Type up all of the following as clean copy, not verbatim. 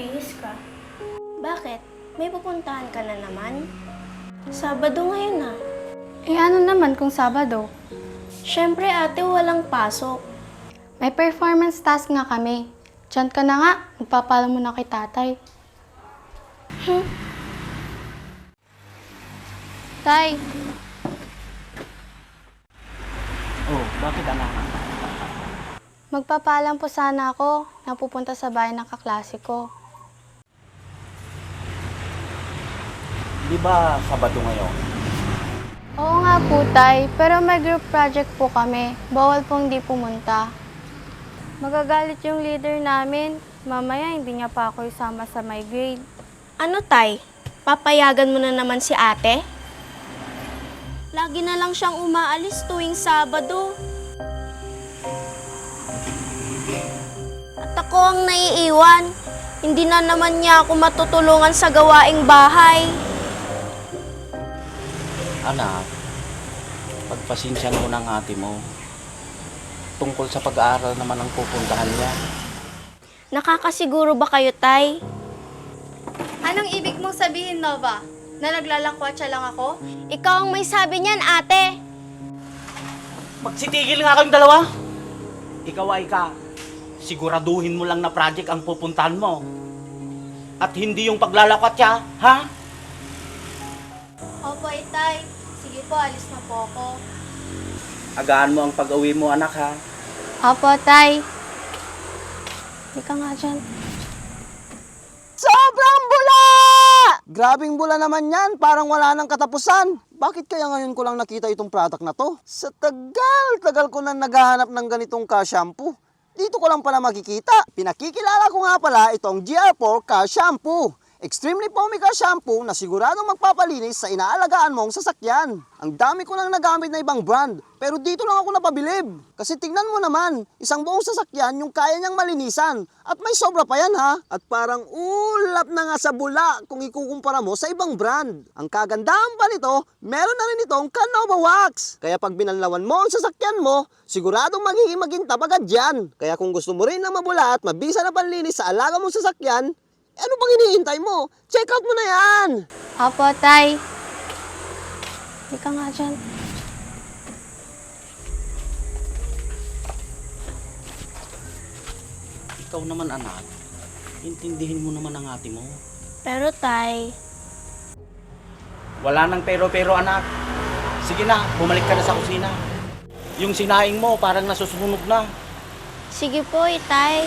bihis ka. Bakit? May pupuntahan ka na naman? Sabado ngayon na. Eh ano naman kung Sabado? Siyempre ate, walang pasok. May performance task nga kami. Diyan ka na nga, magpapaalam mo na kay tatay. Tay, Oh, bakit anak? magpapaalam po sana ako na pupunta sa bahay ng kaklase ko. Di ba Sabado ngayon? Oo nga po, tay, pero may group project po kami. Bawal pong di pumunta. Magagalit yung leader namin. Mamaya hindi niya pa ako isama sa my grade. Ano tay? Papayagan mo na naman si ate? Lagi na lang siyang umaalis tuwing Sabado. At ako ang naiiwan. Hindi na naman niya ako matutulungan sa gawaing bahay. Anak, pagpasensyan mo ng ate mo. Tungkol sa pag-aaral naman ang pupuntahan niya. Nakakasiguro ba kayo, tay? Anong ibig mong sabihin, Nova? Na naglalakwatsa lang ako? Ikaw ang may sabi niyan, ate. Magsitigil nga kayong dalawa. Ikaw ay siguraduhin mo lang na project ang pupuntahan mo. At hindi yung paglalakwat siya, ha? Opo, tay. Sige po, alis na po ako. Agaan mo ang pag-uwi mo, anak, ha? Opo, tay. Hindi ka nga dyan. Sobrang bula! Grabing bula naman yan, parang wala nang katapusan. Bakit kaya ngayon ko lang nakita itong product na to? Sa tagal ko na naghahanap ng ganitong ka-shampoo. Dito ko lang pala makikita. Pinakikilala ko nga pala itong GR4 ka-shampoo. Extremely foamy ka-shampoo na siguradong magpapalinis sa inaalagaan mong sasakyan. Ang dami ko nang nagamit na ibang brand, pero dito lang ako napabilib. Kasi tingnan mo naman, isang buong sasakyan yung kaya niyang malinisan. At may sobra pa yan ha. At parang ulap na nga sa bula kung ikukumpara mo sa ibang brand. Ang kagandahan pa nito, meron na rin itong Canova Wax. Kaya pag binanlawan mo ang sasakyan mo, siguradong magiging magintab agad yan. Kaya kung gusto mo rin na mabula at mabisa na panlinis sa alaga mong sasakyan, ano bang iniintay mo? Check out mo na yan! Opo, tay. Hindi ka nga dyan. Ikaw naman, anak. Intindihin mo naman ang ate mo. Pero tay, Wala nang pero-pero, anak. Sige na, bumalik ka na sa kusina. Yung sinaing mo, parang nasusunog na. sige po, tay.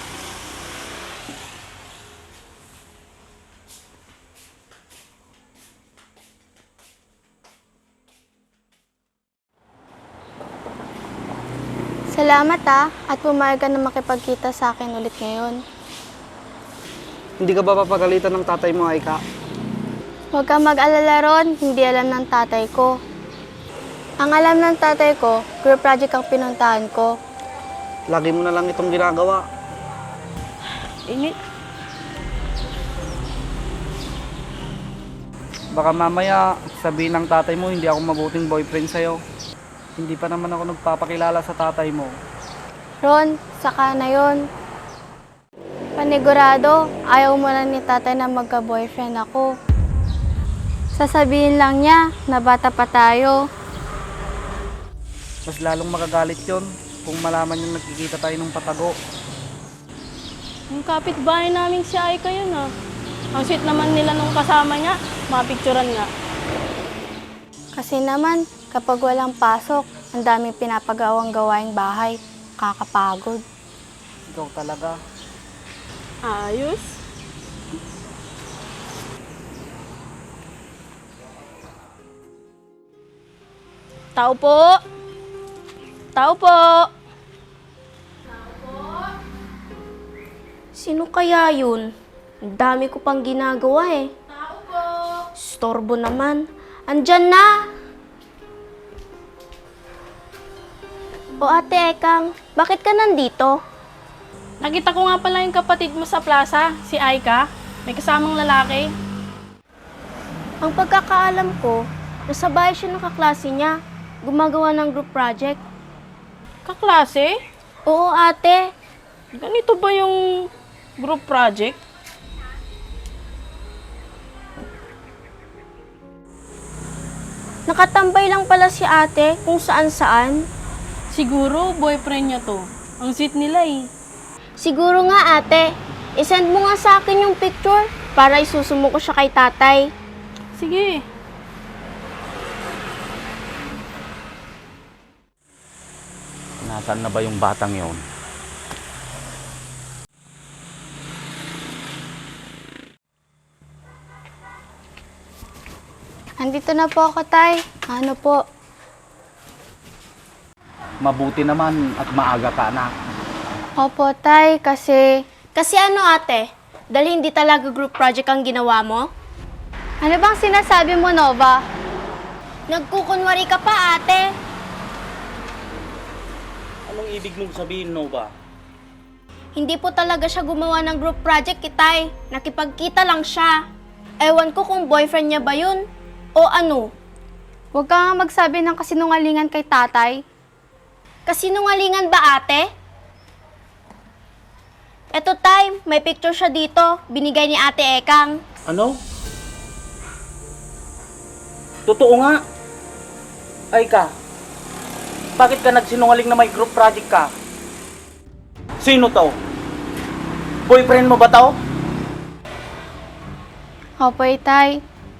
Salamat at pumayag ka na makipagkita sa akin ulit ngayon. Hindi ka ba papagalitan ng tatay mo, Aika? Huwag kang mag-alala ron, hindi alam ng tatay ko. Ang alam ng tatay ko, group project ang pinuntahan ko. Lagi mo na lang itong ginagawa. Init. Baka mamaya sabihin ng tatay mo hindi ako mabuting boyfriend sa'yo. Hindi pa naman ako nagpapakilala sa tatay mo. Ron, saka na yon. Panigurado, ayaw mo na ni tatay na magka-boyfriend ako. Sasabihin lang niya na bata pa tayo. Mas lalong magagalit yon kung malaman yung nagkikita tayo ng patago. Yung kapitbahay namin si Aika yun ah. Ang sweet naman nila nung kasama niya, mapicturan nga. Kasi naman, kapag walang pasok, ang daming pinapagawang gawaing bahay. Kakapagod. Ikaw talaga. Ayos. Tao po. Tao po. Sino kaya yun? Ang dami ko pang ginagawa eh. Tao po. Storbo naman. Andyan na! O ate Ekang, bakit ka nandito? Nakita ko nga pala yung kapatid mo sa plaza, si Aika. May kasamang lalaki. Ang pagkakaalam ko, nasa bahay siya ng kaklase niya. Gumagawa ng group project. Kaklase? Oo ate, Ganito ba yung group project? Nakatambay lang pala si ate kung saan-saan. Siguro, boyfriend niya to. Ang sweet nila eh. Siguro nga ate, isend mo nga sa akin yung picture para isusumo ko siya kay tatay. Sige. Nasaan na ba yung batang yon? Andito na po ako, Tay. Ano po? Mabuti naman at maaga ka, anak. Opo, Tay, kasi... Kasi ano ate, dahil hindi talaga group project ang ginawa mo? Ano bang sinasabi mo, Nova? Nagkukunwari ka pa ate. Anong ibig mong sabihin, Nova? Hindi po talaga siya gumawa ng group project kitay. Nakipagkita lang siya. Ewan ko kung boyfriend niya ba yun o ano. Huwag ka nga magsabi ng kasinungalingan kay tatay. Kasinungalingan ba ate? Eto tay, may picture siya dito. Binigay ni ate Ekang. Ano? Totoo nga. Ay ka, bakit ka nagsinungaling na may group project ka? Sino to? Boyfriend mo ba to? Opo, Tay.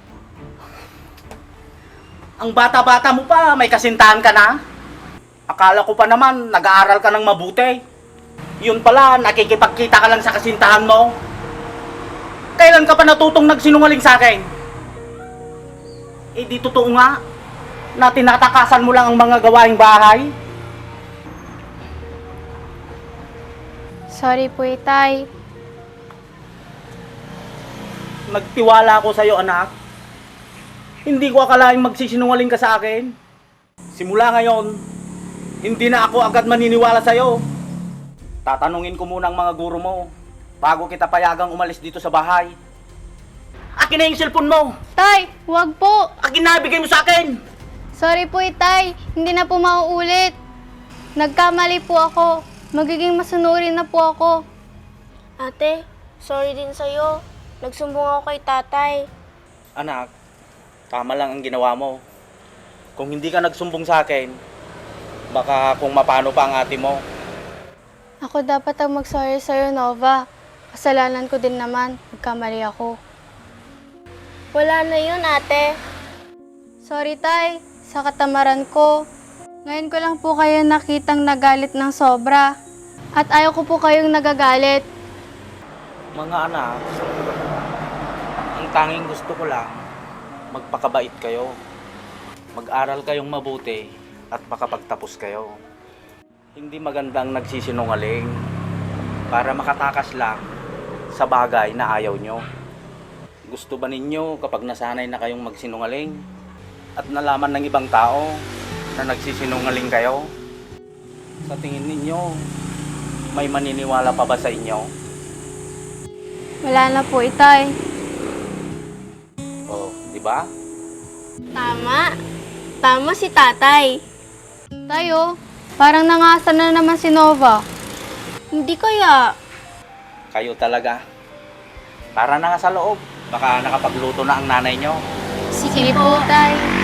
Ang bata-bata mo pa, may kasintahan ka na? Akala ko pa naman, nag-aaral ka ng mabuti. Yun pala, nakikipagkita ka lang sa kasintahan mo. Kailan ka pa natutong nagsinungaling sa akin? Eh di totoo nga, na tinatakasan mo lang ang mga gawaing bahay. Sorry po, Tay. Nagtiwala ako sa'yo, anak. Hindi ko akalaing magsisinungaling ka sa akin. Simula ngayon, hindi na ako agad maniniwala sa'yo. Tatanungin ko muna ang mga guro mo bago kita payagang umalis dito sa bahay. Akin na yung cellphone mo! Tay, huwag po. Akin na, bigay mo sa akin! Sorry po, Tay. Hindi na po mauulit. Nagkamali po ako. Magiging masunurin na po ako. Ate, sorry din sa'yo. Nagsumbong ako kay tatay. Anak, tama lang ang ginawa mo. Kung hindi ka nagsumbong sa akin, baka kung mapano pa ang ate mo. Ako dapat ang mag-sorry sa'yo, Nova. Kasalanan ko din naman. Nagkamali ako. Wala na yun ate. Sorry, Tay. Sa katamaran ko. Ngayon ko lang po kayo nakitang nagalit ng sobra. At ayaw ko po kayong nagagalit. Mga anak, ang tanging gusto ko lang, magpakabait kayo. Mag-aral kayong mabuti at makapagtapos kayo. Hindi magandang nagsisinungaling para makatakas lang sa bagay na ayaw nyo. Gusto ba ninyo kapag nasanay na kayong magsinungaling at nalaman ng ibang tao na nagsisinungaling kayo? Sa tingin ninyo, may maniniwala pa ba sa inyo? Wala na po, Itay. Oh, di ba? Tama. Tama si tatay. Tayo, parang nangasan na naman si Nova. Hindi kaya. Kayo talaga. Para na nga sa loob. Baka nakapagluto na ang nanay nyo. Sige po, Tay.